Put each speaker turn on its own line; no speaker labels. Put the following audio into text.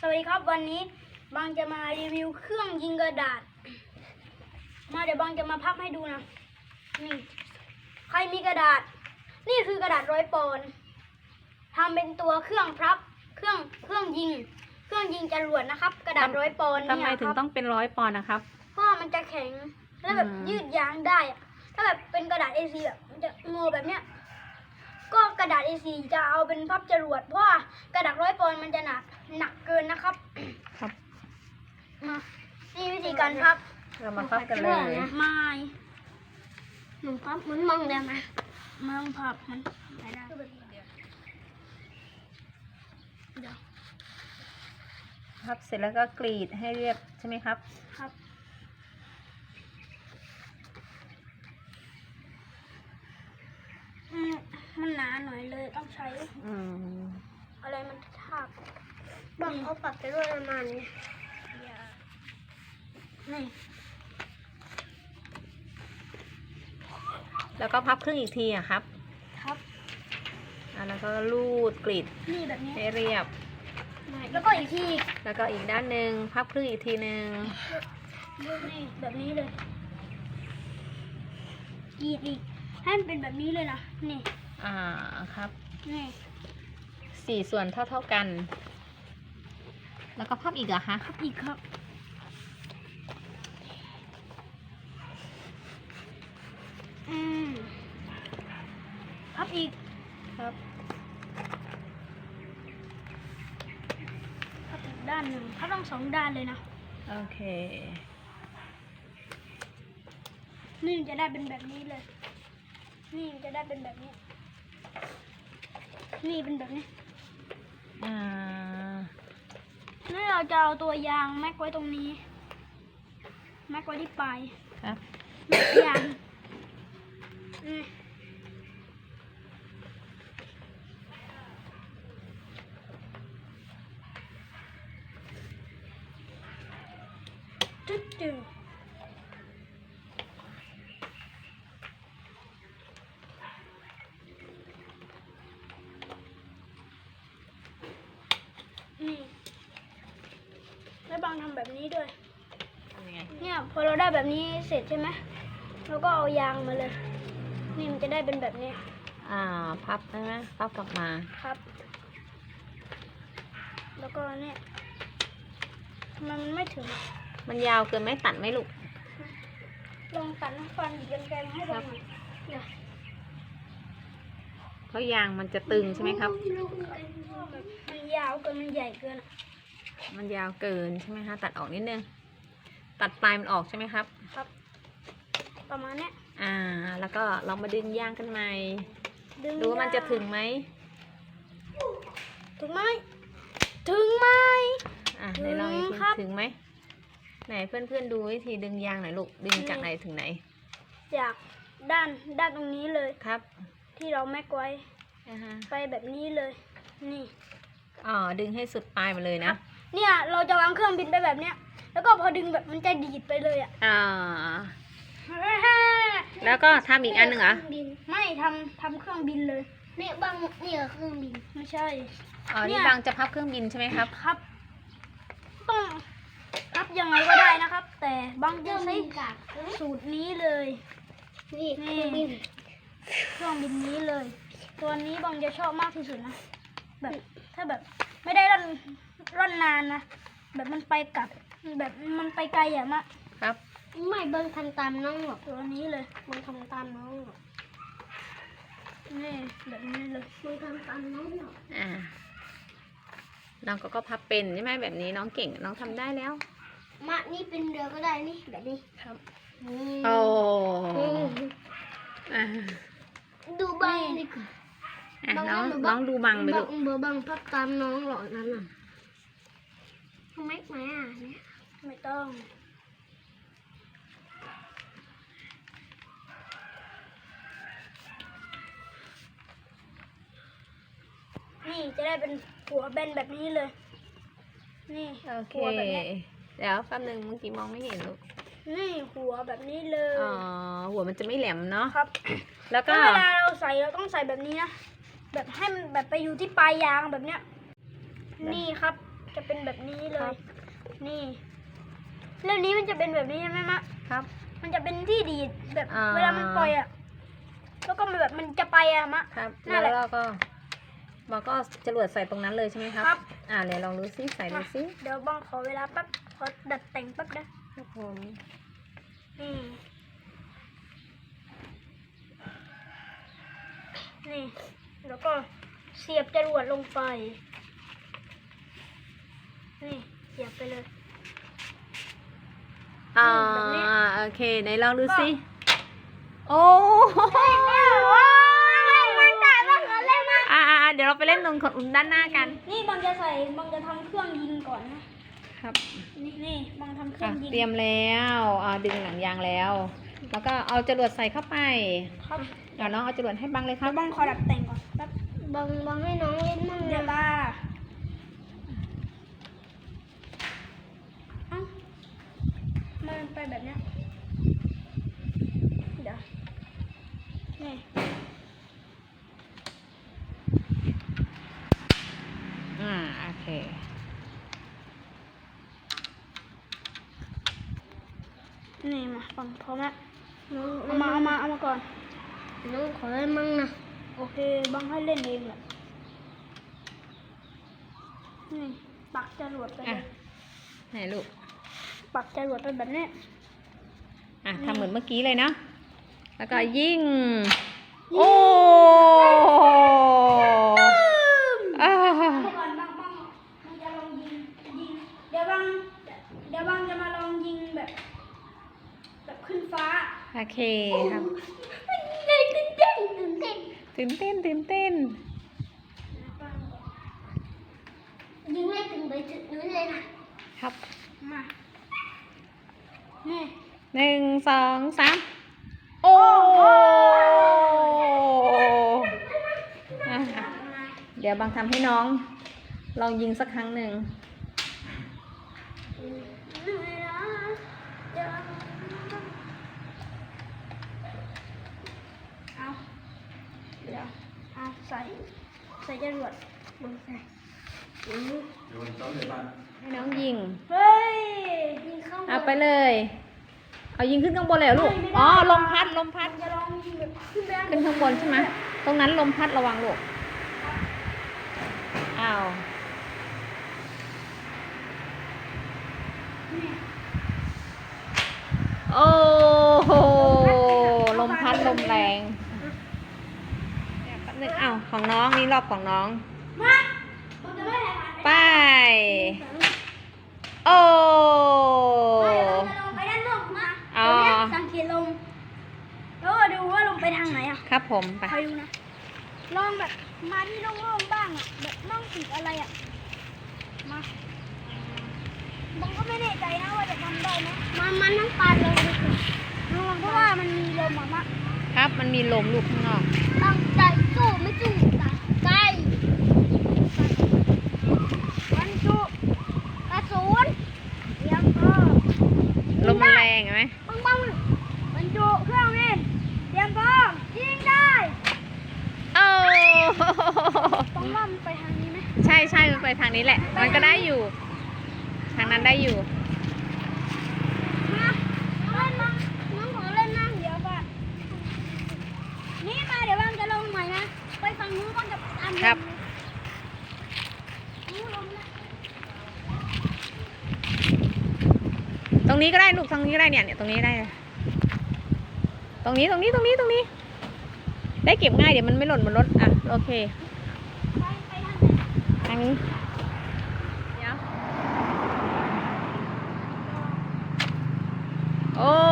สวัสดีครับวันนี้บางจะมารีวิวเครื่องยิงกระดาษเดี๋ยวบางจะมาพับให้ดูนะนี่ใครมีกระดาษนี่คือกระดาษ100 ปอนด์ทำเป็นตัวเครื่องพับเครื่องยิงจรวดนะครับกระดาษ100 ปอนด์
ทำไมถึงต้องเป็น100 ปอนด์นะครับ
เพราะมันจะแข็งแล้วแบบยืดยางได้ถ้าแบบเป็นกระดาษ A4 แบบมันจะงอแบบเนี้ยก็กระดาษ A4 จะเอาเป็นพับจรวดเพราะว่ากระดาษ100 ปอนด์มันจะหนักเกินนะครับ
ครับ
นี่วิธีการพับ
เรามาพับกันเลย
ไม่หนูพับมันมองได้ไหมมองพับมันไม่ได้
พับเสร็จแล้วก็กรีดให้เรียบใช่ไหมครับ
ครับมันหนาหน่อยเลยต้องใช้อะไรมันทากบ้างเขาปักไปด้วยประมาณนี้นี่
แล้วก็พับครึ่งอีกทีอะครับ
ครับ
แล้วก็ลูดกรีด
นี่แบบนี้
ให้เรียบ
แล้วก็อีกที
แล้วก็อีกด้านหนึ่งพับครึ่งอีกทีหนึ่ง
นี่แบบนี้เลยกรีดอีกให้มันเป็นแบบนี้เลยนะนี่
ครับ
นี่
4 ส่วนเท่ากัน แล้วก็พับอีกเหรอคะ
พับอีกครับพับอีก
ครับ
พับอีกด้านหนึ่งพับต้อง2 ด้านเลยนะ
โอเค
นี่จะได้เป็นแบบนี้เลยนี่จะได้เป็นแบบนี้นี่เป็นแบบนี้นี่เราจะเอาตัวยางแม็กไว้ตรงนี้แม็กไว้ที่ปลาย
ครับ
แม็กยางจุดนี่แล้วบางทำแบบนี้ด้วยเนี่ยพอเราได้แบบนี้เสร็จใช่ไหมเราก็เอายางมาเลยนี่มันจะได้เป็นแบบนี้
พับใช่ไหมพับกลับมา
ครับแล้วก็เนี่ยมันไม่ถึง
มันยาวเกินไหมตัดไหมลูก
ลองตัดน้ำฟันหยิบกันไกลให้ดูหน่อย
เพราะยางมันจะตึงใช่ไหมครับ
มันยาวเกินมันใหญ่เกิน
มันยาวเกินใช่ไหมคะตัดออกนิดนึงตัดปลายมันออกใช่ไหมครับ
ครับประมาณนี้
แล้วก็ลองมาดึงยางกันใหม่ดูว่ามันจะถึงไหม
ไหนลองอีกที
ถึงไหมไหนเพื่อนๆดูวิธีดึงยางหน่อยลูกดึงจากไหนถึงไหน
จากด้านตรงนี้เลย
ครับ
ที่เราแม็กไว้ไปแบบนี้เลยนี่
ดึงให้สุดปลายมาเลยนะ
เนี่ยเราจะวางเครื่องบินไปแบบเนี้ยแล้วก็พอดึงแบบมันจะดีดไปเลย
แล้วก็ทำอีกอันหนึ่งเหรอ
ไม่ทำเครื่องบินเลยนี่บางนี่เครื่องบินไม่ใช่
นี่บางจะพับเครื่องบินใช่ไหมครับ
ครับต้องพับยังไงก็ได้นะครับ แต่บางจะใช้สูตรนี้เลยนี่เครื่องบินนี้เลยตัวนี้บางจะชอบมากที่สุดนะแบบถ้าแบบไม่ได้ร่อนนานนะแบบมันไปกลับแบบมันไปไกลอย่างมาก
ครับ
ไม่เบิ้งทำตามน้องหรอกตัวนี้เลยมันทำตามน้องหรอกนี่แบบนี้เลยมันทำตามน้องหรอก
น้องก็พับเป็นใช่ไหมแบบนี้น้องเก่งน้องทำได้แล้ว
นี่เป็นเรือก็ได้นี่แบบนี้ครับดูบังดิ
น้องดูบังไปลูก
บังพับตามน้องหรอกนั่นน่ะทำไมเนี่ยไม่ต้องนี่จะได้เป็นหัวแบนแบบนี้เลยนี่
หัวแบบนี้เดี๋ยวแป๊บนึงเมื่อกี้มองไม่เห็นลูก
นี่หัวแบบนี้เลย
หัวมันจะไม่แหลมเนาะ
ครับ
แล้วก็
เวลาเราใส่เราต้องใส่แบบนี้นะ แบบให้มันแบบไปอยู่ที่ปลายยางแบบเนี้ย นี่ครับจะเป็นแบบนี้เล
ครั
ย
บ
นี่แล้วนี้มันจะเป็นแบบนี้ใช่ไหมมะ
ครับ
มันจะเป็นที่ดีดแบบ
อ่า
เวลามันปล่อยอ่ะแล้วก็มันแบบมันจะไปอ่ะมะ
ครับ
นั่นแห
แล้
ละ
วเราก็เอาจรวดใส่ตรงนั้นเลยใช่ไหมครับ
ครับ
เดี๋ยวลองดูซิใส่ดูซิ
เดี๋ยวบังขอเวลาแป๊บขอดัดแต่งแป๊บนะครับ
ผม
นี่นี่แล้วก็เสียบจรวดลงไปนี่เสียบไปเลย แบบนี้
โอเคไหนลองดูซิ
ก็
โอ้
มันแต่บังขอเล่นมาก
เดี๋ยวเราไปเล่นตรงด้านหน้ากัน
นี่บังจะทำเครื่องยิงก่อนนะครับ นี่บังทำเครื่องยิง
เตรียมแล้วดึงหนังยางแล้ว แล้วก็เอาจรวดใส่เข้าไป
ครับ
เดี๋ยวน้องเอาจรวดให้บังเลยครับ
บังขอดัดแต่งก่อนแป๊บบังให้น้องเล่นมั่งเดี๋ยวมันไปแบบเนี้ยเดี๋ยวนี่
โอเค
นี่มาฟังพร้อมแล้วเอามาก่อน
น้องขอเล่นมั่งนะ
โอเคบังให้เล่นเองแหละนี่ปักจรวดไปเล
อ่ะ
ย
ไหนลูก
ปักจรวดไปแบบนี้
ทำเหมือนเมื่อกี้เลยเนาะ แล้วก็ยิง โอ้อ่า
ก่อนบังจะลองยิงเดี๋ยวบังจะมาลองยิงแบบขึ้นฟ้า
โอเคครับ
ตื่นเต้น
ตื่นเต้นตื่นเต้น
ยิงให้ถึงไปถึงนู้นเลยนะครับ
มานี่
1 2 3 โอ้อ่ะเดี๋ยวบังทำให้น้อง ลองยิงสักครั้งหนึ่ง
เอาเดี๋ยวเอาใส่จรวดลงใส่
ให้น้องยิง
เฮ้ย
ยิงเข้า
เอาไปเลย เอายิงขึ้นข้างบนเลยเหรอลูก อ๋อ ลมพัด ลมพัด
จะลองยิงแบบขึ้นไป
ขึ้นข้างบนใช่ไหม ตรงนั้นลมพัดระวังลูก อ้าว
นี่
โอ้โห ลมพัดลมแรงเดี๋ยวแป๊บนึงอ้าวของน้องนี่รอบของน้อง
มาผมจะไม่ให้ผ่าน
ไป โอ้
ไปเราจะลงไปด้านนอกนะ
อ๋อ
เดี๋ยวเนี่ยสังเกตลมแล้วก็ดูว่าลงไปทางไหนอ่ะ
ครับผมไป
คอยดูนะ ลองแบบมาที่โล่งๆบ้างอ่ะ แบบน้องติดอะไรอ่ะ มาบังก็ไม่แน่ใจนะว่าจะทำได้ไหม
มันต้องปาดลง
ลองเพราะว่ามันมีลมอ่ะมะ
ครับ มันมีลมลูกข้างนอก
ตั้งใจสู้ไม่สู้ใกล้
มันจุกระสุนเตรียมก็
ลมมันแรงเห็นไหม
ปัง
มันจุเครื่องบินเตรียมพร้อมยิงได้
โอ้
ต้องล่อมไปทางนี้ไหม
ใช่ใช่มันไปทางนี้แหละ มันก็ได้อยู่ ทางนั้นได้อยู่
มาเล่นมาน้องขอเล่นนั่งเดี๋ยวก่อนนี่มาเดี๋ยวบังจะลงใหม่นะ ไปฝั่งนู้นก็จะตามลม
ครับ
นู้นลมนะ
ตรงนี้ก็ได้ลูกตรงนี้ก็ได้เนี่ยตรงนี้ได้เลยตรงนี้ ได้เก็บง่ายเดี๋ยวมันไม่หล่นบนรถอ่ะโอเค
ไปทางไหน
ทางนี้เดี๋ยวโอ้